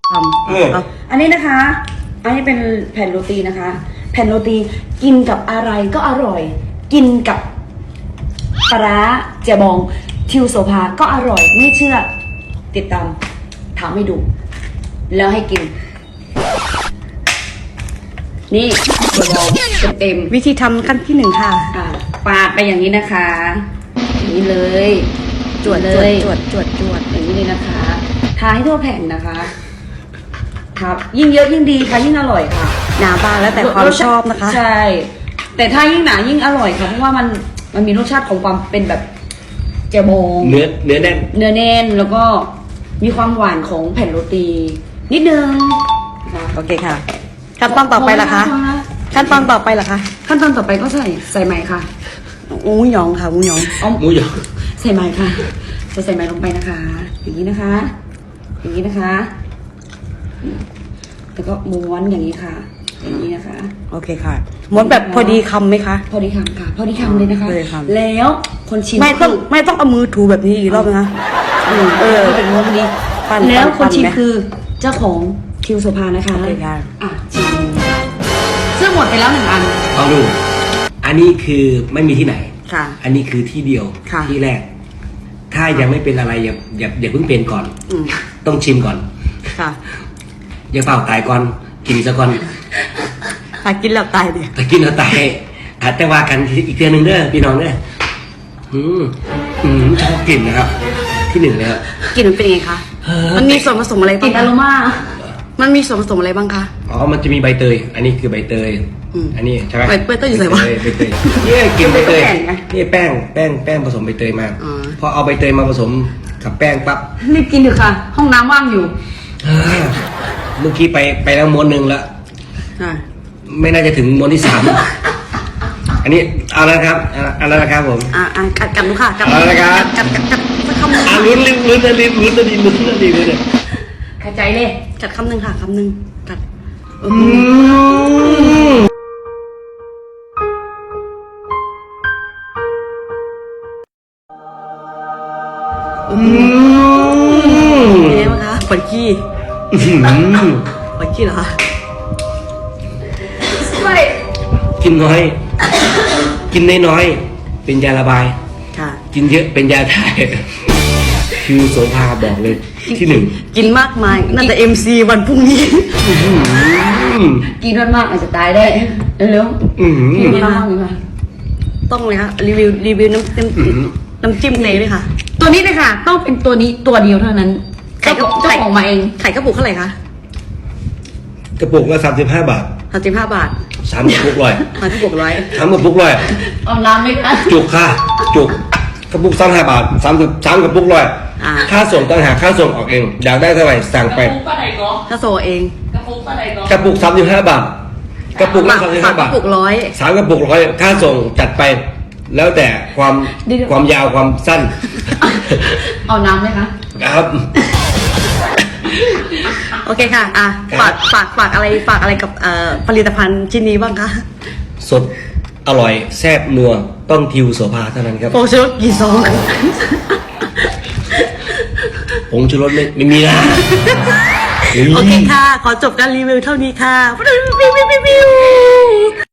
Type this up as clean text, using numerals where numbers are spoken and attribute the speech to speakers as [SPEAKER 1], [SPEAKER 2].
[SPEAKER 1] อันนี้นะคะ อันนี้เป็นแผ่นโรตีนะคะ แผ่นโรตีกินกับอะไรก็อร่อย กินกับปลาร้าเจียบองทิวโซภาก็อร่อยไม่เชื่อติดตามทำให้ดู แล้วให้กิน นี่เจียบองเต็ม
[SPEAKER 2] วิธีทำขั้นที่ 1 ค่ะ
[SPEAKER 1] ปาดไปอย่างนี้นะคะอย่างนี้เลย
[SPEAKER 2] จวด
[SPEAKER 1] เล
[SPEAKER 2] จวด
[SPEAKER 1] ย
[SPEAKER 2] จวดจวดจวด
[SPEAKER 1] อย่างนี้เลยนะคะทาให้ทั่วแผ่นนะคะ ครับ ยิ่งเยอะยิ่งดีค่ะยิ่งอร่อยค่ะ
[SPEAKER 2] หนาบางแล้วแต่ความชอบนะคะ
[SPEAKER 1] ใช่ แต่ถ้ายิ่งหนายิ่งอร่อยค่ะเพราะว่ามันมีรสชาติของความเป็นแบบเจยบอง
[SPEAKER 3] เนื้อแน่น
[SPEAKER 1] เนื้อแน่นแล้วก็มีความหวานของแผ่นโรตี นิดนึงนะคะ
[SPEAKER 2] โอเคค่ะ ขั้นตอนต่อไปล่ะคะ ขั้นตอนต่อไปล่ะคะ
[SPEAKER 1] ขั้นตอนต่อไปก็ใส่ไหมค่ะ
[SPEAKER 2] อูหยองค่ะอูหยอง
[SPEAKER 1] เอา
[SPEAKER 3] หมูหยอง
[SPEAKER 1] ใส่ไหมค่ะใส่ไหมลงไปนะคะ อย่างนี้นะคะ อย่างนี้นะคะ แล้วก็ม้วนอย่างนี้ค่ะ อย่างนี้นะคะ
[SPEAKER 2] โอเคค่ะม้วนแบบพอดีคำไหมคะ
[SPEAKER 1] พอดีคำค่ะ พอดีคำเลยนะคะ
[SPEAKER 2] พอดีคำ
[SPEAKER 1] แล้วคนชิม
[SPEAKER 2] ไม่ต้อง
[SPEAKER 1] คือ
[SPEAKER 2] ไม่ต้องเอามือถูแบบนี้อีกรอบนะคะ
[SPEAKER 1] เป็นม้วนพอดี
[SPEAKER 2] ปั้น
[SPEAKER 1] แล้วคนชิม
[SPEAKER 2] ไหม
[SPEAKER 1] คือเจ้าของทิวโซภานะคะ
[SPEAKER 2] โอเคค่ะ
[SPEAKER 1] ชิมซึ่งหมดไปแล้ว1 อัน
[SPEAKER 3] ลองดู อันนี้คือไม่มีที่ไหน
[SPEAKER 2] ค่ะ
[SPEAKER 3] อันนี้คือที่เดียว
[SPEAKER 2] ค่ะ
[SPEAKER 3] ที่แรก ถ้ายังไม่เป็นอะไรอย่าเพิ่งเป็นก่อน
[SPEAKER 2] อืม
[SPEAKER 3] ต้องชิมก่อน
[SPEAKER 2] ค่ะ
[SPEAKER 3] อย่าเปล่าตายก่อน กินซะก่อน
[SPEAKER 2] ถ้ากินแล้วตายดิ
[SPEAKER 3] ถ้ากินแล้วตายอาจจะว่ากันอีกเดือนหนึ่งเด้อพี่น้องเด้อชอบกลิ่นนะครับ ที่ 1เลยครับ
[SPEAKER 2] กลิ่นมันเป็นยังไงคะ มันมีส่วนผสมอะไร
[SPEAKER 1] กลิ่
[SPEAKER 2] บ้าง
[SPEAKER 1] นอ
[SPEAKER 2] คะ
[SPEAKER 1] โรมา
[SPEAKER 2] มันมีส่วนผสมอะไรบ้างคะ
[SPEAKER 3] อ๋อ มันจะมีใบเตย อันนี้คือใบเตย
[SPEAKER 2] อืม
[SPEAKER 3] อันนี้ใช่ไหม
[SPEAKER 2] ใบเตยอยู่ไหนวะ
[SPEAKER 3] ใบเตยเนี่ยกินใบเตยนี่แป้งผสมใบเตยมา
[SPEAKER 2] อ๋อ
[SPEAKER 3] พอเอาใบเตยมาผสมกับแป้งปั๊บ
[SPEAKER 1] รีบกินเถอะค่ะ ห้องน้ำว่างอยู่
[SPEAKER 3] เมื่อกี้ไปแล้วม้วนหนึ่งแล้ว
[SPEAKER 2] อ่า
[SPEAKER 3] ไม่น่าจะถึงม้วนที่ 3 อันนี้เอาแล้วครับเอาแล้วนะครับผม
[SPEAKER 2] กัดดูค่ะกัด
[SPEAKER 3] เอาละครับ
[SPEAKER 2] กัดสักคำหนึ่ง
[SPEAKER 3] ลุ้นนะดิเลย
[SPEAKER 1] ขใจเลย
[SPEAKER 2] กัดคำหนึ่งค่ะคำหนึ่งกัด เป็นไงบ้างคะปวดขี้ปวดขี้เหรอคะ
[SPEAKER 3] กินน้อย กินน้อยเป็นยาระบาย
[SPEAKER 2] ค่ะ
[SPEAKER 3] กินเยอะเป็นยาถ่ายคือโสภาบอกเลยที่ 1
[SPEAKER 2] กินมากมายน่าจะ MC วันพรุ่งนี้
[SPEAKER 1] กินมากๆอาจจะตายได้เร็วๆกินมากๆเลยค่ะ
[SPEAKER 2] ต้องเลยค่ะรีวิวน้ำจิ้มเลยไหมคะ
[SPEAKER 1] ตัวนี้เลยค่ะ ต้องเป็นตัวนี้ตัวเดียวเท่านั้นเจ้าของมาเอง
[SPEAKER 2] ไข่กระปุกเท่าไหร่คะ
[SPEAKER 3] กระปุกละ35 บาท
[SPEAKER 2] 35 บาท
[SPEAKER 3] 3 กระปุกร้อย
[SPEAKER 2] กระปุก100
[SPEAKER 3] 3 กระปุกร้อย
[SPEAKER 1] เอาน้ำไหมคะ
[SPEAKER 3] จุกค่ะ จุกกระปุก35 บาท3 กระปุกร้อยค่าส่งต่างหากค่าส่งออกเอง อยากได้เท่าไหร่สั่งไป
[SPEAKER 2] ถ้าโซเอง
[SPEAKER 3] กระปุก35 บาท กระปุกละ
[SPEAKER 2] ฝาก
[SPEAKER 3] 35
[SPEAKER 2] ก
[SPEAKER 3] บา
[SPEAKER 2] ระ
[SPEAKER 3] ท
[SPEAKER 2] ปุก100
[SPEAKER 3] 3 กระปุกร้อยค่าส่งจัดไป แล้วแต่ความยาวความสั้น
[SPEAKER 1] เอาน้ำไหมคะ
[SPEAKER 3] ครับ
[SPEAKER 2] โอเคค่ะ ฝากอะไรกับผลิตภัณฑ์ชิ้นนี้บ้างคะ
[SPEAKER 3] สดอร่อยแซ่บนัวต้องทิวโสภาเท่านั้นครับ
[SPEAKER 2] โฟชูรสกี่ซอง
[SPEAKER 3] ผงชูรสไม่มีนะ
[SPEAKER 2] โอเคค่ะ ขอจบการรีวิวเท่านี้ค่ะ